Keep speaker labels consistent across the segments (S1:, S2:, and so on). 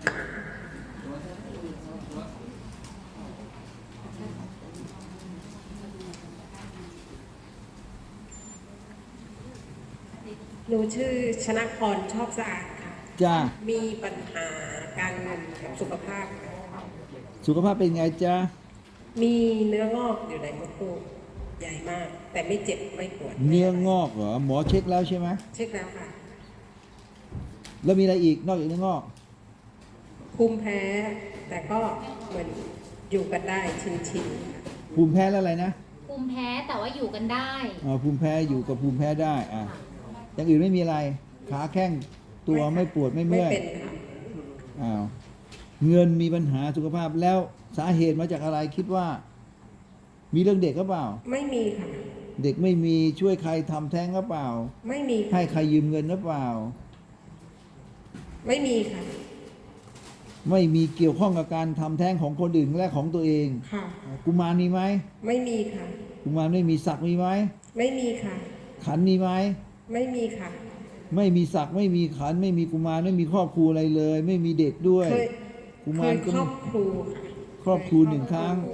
S1: หนูชื่อชนะพรชอบสะอาดค่ะ
S2: จ้า
S1: มีปัญหาการเงินกับสุขภาพค่ะ
S2: สุขภาพเป็นไงจ้า
S1: มีเนื้องอกอยู่ในมดลูกใหญ่มาก แต่ไม่เจ็บไม่ปวด
S2: เนื้องอกเหรอหมอเช็คแล้วใช่ไหม
S1: เช็คแล้วค่ะ
S2: แล้วมีอะไรอีกนอกจากเนื้องอก
S1: ภูมิแพ้ แต่ก็เหมือนอยู่กันได้ชิน
S2: ภูมิแพ้แล้วอะไรนะ
S3: ภูมิแพ้แต่ว่าอยู่กันได้
S2: ภูมิแพ้อยู่กับภูมิแพ้ได้อย่างอื่นไม่มีอะไรขาแข้งตัวไม่ปวดไม่เมื่อย
S1: ไม่เป็นค่ะ
S2: เงินมีปัญหาสุขภาพแล้วสาเหตุมาจากอะไรคิดว่ามีเรื่องเด็กก็เปล่า
S1: ไม่มีค่ะ
S2: เด็กไม่มีช่วยใครทำแท้งก็เปล่า
S1: ไม่มี
S2: ให้ใครยืมเงินหรือเปล่า
S1: ไม่มีค่ะ
S2: ไม่มีเกี่ยวข้องกับการทำแท้งของคนอื่นและของตัวเอง
S1: ค่ะ
S2: กุมารมีไหม
S1: ไม่มีค่ะ
S2: กุมารไม่มีศักดิ์มีไหม
S1: ไม่มีค่ะ
S2: ขันมีไหม
S1: ไม่มีค่ะ
S2: ไม่มีศักดิ์ไม่มีขันไม่มีกุมารไม่มีครอบครัวอะไรเลย ไม่มีเด็กด้วย
S1: กุมารครอบครูค่ะ
S2: ครอบครูหนึ่งครั้ง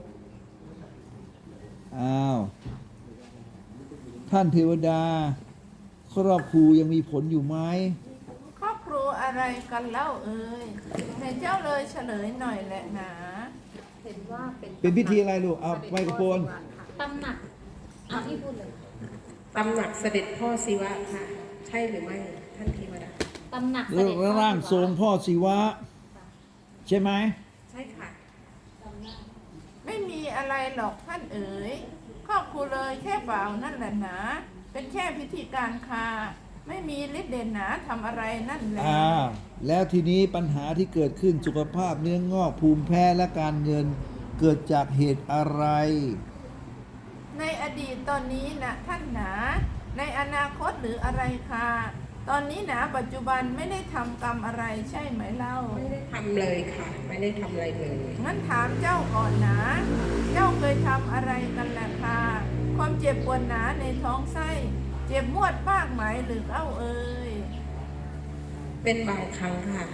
S2: ท่านเทวดาครอบครูยังมีผลอยู่ไหม
S4: ครอบครัวอะไรกันเล่าเอ่ยให้เจ้าเลยเฉลยหน่อยแหละนะ
S3: เห็นว่า
S2: เป็นพิธีอะไรลูกเอาไมโครโฟน
S3: ตำหนักเอาที่พูดเลย
S1: ตำหนักเสด็จพ่อศิวะค่ะใช่หรือไม่ท่านเทวดา
S3: ตำหนักเสด็จ
S2: ร่างทรงพ่อศิวะใช่ไหม
S1: ใช่ค่ะ
S4: ไม่มีอะไรหรอกท่านเอ๋ยครอบครัวเลยแค่บ่าวนั่นแหละนะเป็นแค่พิธีการค่ะไม่มีฤทธิ์เด่นหนาทำอะไรนั่นแหละ
S2: แล้วทีนี้ปัญหาที่เกิดขึ้นสุขภาพเนื้องอกภูมิแพ้และการเงินเกิดจากเหตุอะไร
S4: ในอดีตตอนนี้นะท่านหนาในอนาคตหรืออะไรค่ะตอนนี้นะปัจจุบันไม่ได้ทำกรรมอะไรใช่ไหมเล่า
S1: ไม่ได้ทำเลยค่ะไม่ได้ทำอะไรเลย
S4: งั้นถามเจ้าก่อนนะเจ้าเคยทำอะไรกันแหละค่ะความเจ็บปวดหนาในท้องไส้เจ็บมวดมากไหมหรือเอ้าเอ่ย
S1: เป็นบางครั้งค่ะ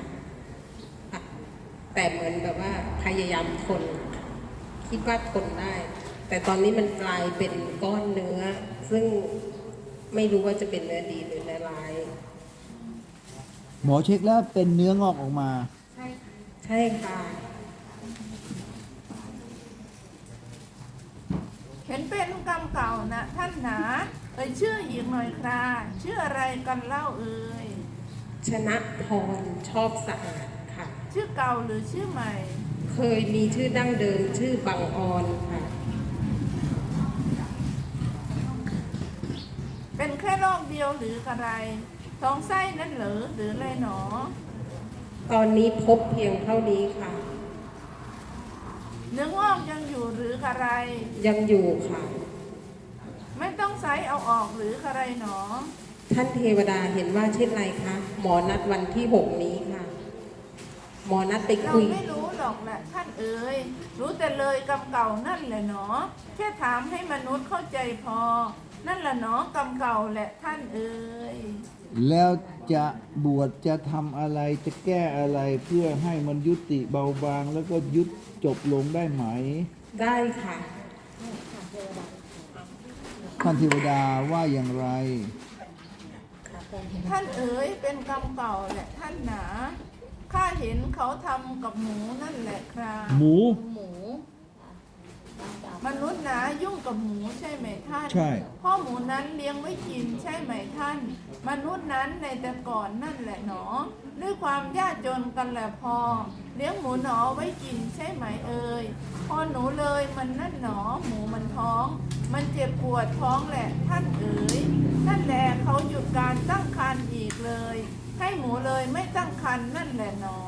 S1: แต่เหมือนแบบว่าพยายามทนคิดว่าทนได้แต่ตอนนี้มันกลายเป็นก้อนเนื้อซึ่งไม่รู้ว่าจะเป็นเนื้อดีหรือเนื้อร้าย
S2: หมอเช็คแล้วเป็นเนื้องอกออกมา
S1: ใช่ค่ะ
S4: เห็นเป็นกรรมเก่านะท่านหนาชื่ออีกหน่อยคราชื่ออะไรกันเล่าเอ่ย
S1: ชนะพรชอบสะอาดค่ะ
S4: ชื่อเก่าหรือชื่อใหม่
S1: เคยมีชื่อดั้งเดิมชื่อบังออนค่ะ
S4: เป็นแค่โรคเดียวหรืออะไรท้องไส้นั่นหรืออะไรหนอ
S1: ตอนนี้พบเพียงเท่านี้ค่ะ
S4: เนื้องอกยังอยู่หรืออะไร
S1: ยังอยู่ค่ะ
S4: ไม่ต้องไซเอาออกหรืออะไรหนอ
S1: ท่านเทวดาเห็นว่าเช่นไรคะหมอนัดวันที่6นี้ค่ะหมอนัดไปคุย
S4: เราไม่รู้หรอกแหละท่านเอ๋ยรู้แต่เลยกรรมเก่านั่นแหละหนอแค่ถามให้มนุษย์เข้าใจพอนั่นแหละหนอกรรมเก่าแหละท่านเอ๋ย
S2: แล้วจะบวชจะทำอะไรจะแก้อะไรเพื่อให้มันยุติเบาบางแล้วก็ยุดจบลงได้ไหม
S1: ได้ค่ะ
S2: ท่านเทวดาว่าอย่างไร
S4: ท่านเอ๋ยเป็นกรรมเก่าแหละท่านหนาข้าเห็นเขาทำกับหมูนั่นแหละครับ
S2: หมู
S4: มนุษย์หนายุ่งกับหมูใช่ไหมท่าน
S2: ใช่
S4: พ่อหมูนั้นเลี้ยงไว้กินใช่ไหมท่านมนุษย์นั้นในแต่ก่อนนั่นแหละหนอด้วยความยากจนกันแหละพอเลี้ยงหมูหนอไว้กินใช่ไหมเอ่ยพอหนูเลยมันนั่นหนอหมูมันท้องมันเจ็บปวดท้องแหละท่านเอ๋ยนั่นแหละเขาหยุดการตั้งครรภ์อีกเลยให้หมูเลยไม่ตั้งครรภ์นั่นแหละหนอ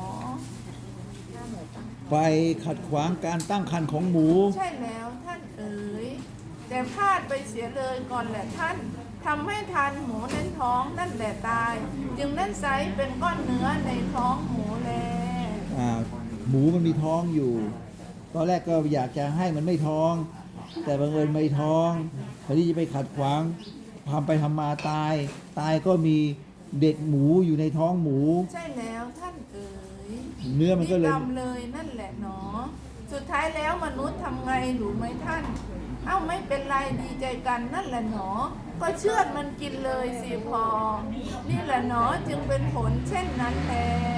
S2: ไปขัดขวางการตั้งครรภ์ของหมู
S4: ใช่แล้วท่านเอ๋ยแต่พลาดไปเสียเลยก่อนแหละท่านทำให้ทานหมูในท้องนั่นแหละตายจึงนั่นไซเป็นก้อนเนื้อในท้องหมูแล
S2: หมูมันมีท้องอยู่ตอนแรกก็อยากจะให้มันไม่ท้องแต่บังเอิญไม่ท้องพอที่จะไปขัดขวางทำไปทำมาตายก็มีเด็กหมูอยู่ในท้องหมู
S4: ใช่แล้วท่านเอ๋ย
S2: เนื้อมันก็เลย
S4: กรรมเลยนั่นแหละหนอ สุดท้ายแล้วมนุษย์ทำไงรู้ไหมท่าน เอ้าไม่เป็นไรดีใจกันนั่นแหละหนอ ก็เชือดมันกินเลยสิพอ นี่แหละหนอจึงเป็นผลเช่นนั้นแล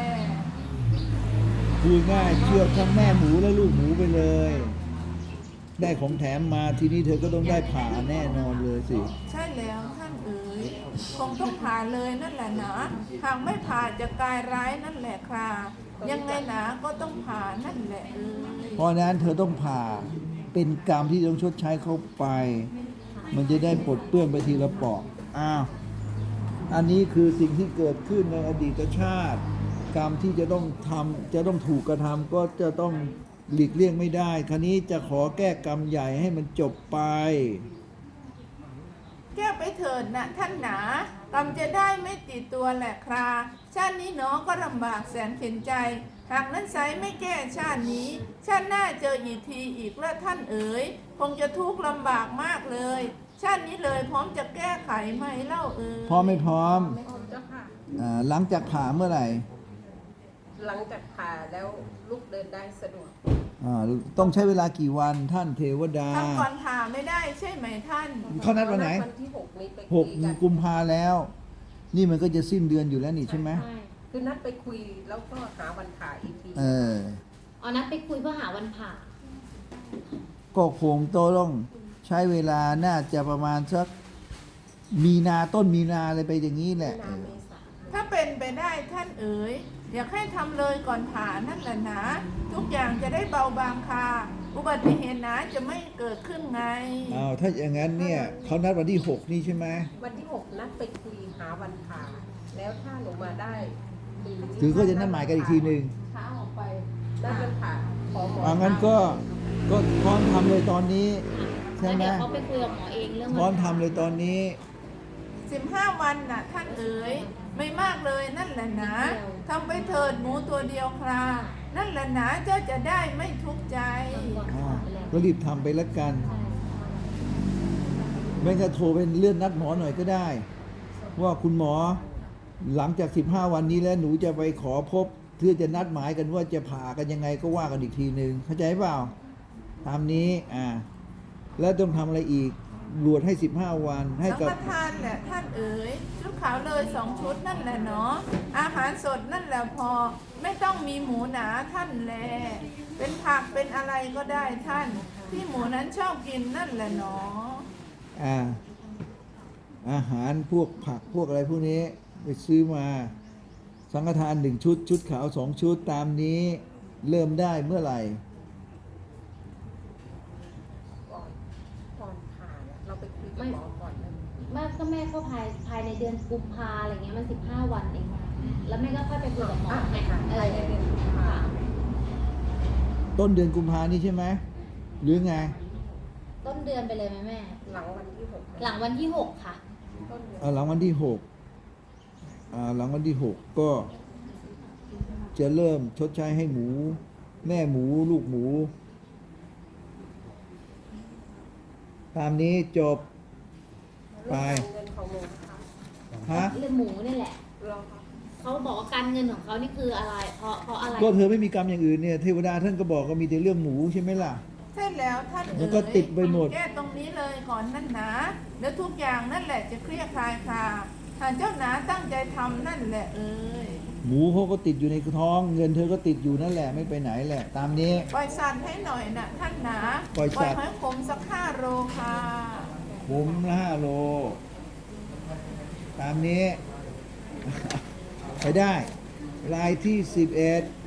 S2: พูดง่ายเชือดทั้งแม่หมูและลูกหมูไปเลย ได้ของแถมมาทีนี้เธอก็ต้องได้ผ่าแน่นอนเลยสิ
S4: ใช่แล้วท่านเอ๋ยคงต้องผ่าเลยนั่นแหละนะหากไม่ผ่าจะกลายร้ายนั่นแหละค่ะยังไงนะก็ต้องผ่านั่นแหละเอ๋ย
S2: เพราะฉะนั้นเธอต้องผ่าเป็นกรรมที่ต้องชดใช้เข้าไป มันจะได้ปลดเปื้อนไปทีละเปาะอ้าวอันนี้คือสิ่งที่เกิดขึ้นในอดีตชาติ กรรมที่จะต้องทำจะต้องถูกกระทำก็จะต้องหลีกเลี่ยงไม่ได้ คราวนี้จะขอแก้กรรมใหญ่ให้มันจบไป
S4: แก้ไปเถิดนะท่านหนากรรมจะได้ไม่ติดตัวแหละคราชาตินี้หนอก็ลำบากแสนเข็นใจ หากนั้นไซไม่แก้ชาตินี้ ชาติหน้าเจออีกทีอีกแล้วท่านเอ๋ยคงจะทุกข์ลำบากมากเลย ชาตินี้เลยพร้อมจะแก้ไขไหมเล่าเอ๋ย
S2: พร้อมไม่พร้อม
S1: ไม่ออกเจ้าค่ะ
S2: หลังจากผ่าเมื่อไหร่
S1: หลังจากผ่าแล้วลูกเดินได้สะดวก
S2: ต้องใช้เวลากี่วันท่านเทวดา
S4: ทำก่อนผ่าไม่ได้ใช่ไหมท่าน
S2: เขานัดวันไหน
S1: วันที่หกนี้ไป
S2: ห
S1: คุ
S2: ก
S1: ยกัน
S2: กุมภาแล้ว นี่มันก็จะสิ้นเดือนอยู่แล้วนี่ใช่ไหม
S3: ใช่
S1: คือนัดไปคุยแล้วก็หาวันผ่าอีกที
S2: เออ
S3: เอานัดไปคุยเพื่อหาวันผ่า
S2: ก็คงต้องใช้เวลาน่าจะประมาณสักมีนาต้นมีนาอะไรไปอย่างนี้แหละ
S1: นาเมษา
S4: ถ้าเป็นไปได้ท่านเอ๋ยอยากให้ทำเลยก่อนผ่านั่นแหละนะทุกอย่างจะได้เบาบางค่ะอุบัติเหตุนะจะไม่เกิดขึ้นไง
S2: อ้าวถ้าอย่างนั้นเนี่ยเขานัดวันที่ 6 นี่ใช่ไหม
S1: วันที่หกนัดไปคุยหาวันผ่า แล้วถ้าหนูมาได้
S2: ถือก็จะนัดหมายกันอีกทีหนึ่ง
S1: ช้าออกไปนัดวันผ่าขอหมอ
S2: งั้นก็พร้อมทำเลยตอนนี้ใช่
S3: แล้ว
S2: ไหม
S3: เดี๋ยวเขาไปคุยกับหมอเองเรื่อง
S2: พร้อม
S3: วันผ่า
S2: ทำเลยตอนนี้
S4: 15 วันน่ะท่านเอ๋ยไม่มากเลยนั่นแหละนะทำไปเถิดหมูตัวเดียวครานั่นแหละนะเจ้าจะได้ไม่ทุกข์ใจ
S2: ก็รีบทำไปแล้วกัน ไม่ก็โทรเป็นเลื่อนนัดหมอหน่อยก็ได้ ว่าคุณหมอหลังจาก 15 วันนี้แล้วหนูจะไปขอพบเพื่อจะนัดหมายกันว่าจะผ่ากันยังไงก็ว่ากันอีกทีหนึ่งเข้าใจเปล่าตามนี้แล้วต้องทำอะไรอีกบวชให้ 15 วันให้
S4: สัง
S2: กับ
S4: ฆทานแหละท่านเอ๋ยชุดขาวเลย2 ชุดนั่นแหละเนาะอาหารสดนั่นแหละพอ ไม่ต้องมีหมูหนาท่านแลเป็นผักเป็นอะไรก็ได้ท่าน ที่หมูนั้นชอบกินนั่นแหละเนาะ
S2: อาหารพวกผักพวกอะไรพวกนี้ไปซื้อมา สังฆทาน1 ชุด ชุดขาว 2 ชุดตามนี้เริ่มได้เมื่อไหร่
S1: ก่อนผ่าเนี่ยเราไปคุยกับหมอก่อนเลย
S3: แม่ก็แม่เข้าภายในเดือนกุมภาอะไรเงี้ยมัน15 วันเอง แล้วแม่ก็ค่อยไปคุยกับหมอไง
S1: ภายในเดือนกุมภา
S3: ค่ะ
S2: ต้นเดือนกุมภานี้ใช่ไหมหรือไง
S3: ต้นเดือนไปเลยไหมแม่
S1: หลังวันที่หก
S3: หลังวันที่ 6 ค่ะ
S1: ต้นเดือน
S2: หลังวันที่ 6หลังวันที่ 6 ก็จะเริ่มชดใช้ให้หมู แม่หมูลูกหมู ตามนี้จบไป
S1: เงินของหนูค่ะ
S2: ฮะ
S3: เรื่องหมูนี่แหละ
S1: รอค่ะ
S3: เขาบอกว่าการเงินของเขานี่คืออะไร เพราะอะไร
S2: ก็เธอไม่มีกรรมอย่างอื่นเนี่ยเทวดาท่านก็บอกก็มีแต่เรื่องหมูใช่ไหมล่ะ
S4: ใช่แล้วท่านเอ๋ย
S2: แล้วก็ติดไปหมด
S4: แก้ตรงนี้เลยก่อนนั่นนะเดี๋ยวทุกอย่างนั่นแหละจะเคลียร์คลายคาหากเจ้าหนาตั้งใจทำนั่นแหละเอ๋ย
S2: หมูเขาก็ติดอยู่ในท้อง เงินเธอก็ติดอยู่นั่นแหละไม่ไปไหนแหละ ตามนี้
S4: ปล่อยสัตว์ให้หน่อยนะท่านหนา
S2: ปล่อยสัตว์
S4: ให้ผมสัก5 โลค่ะ
S2: ผมละ5 โล ตามนี้ ไปได้รายที่ 11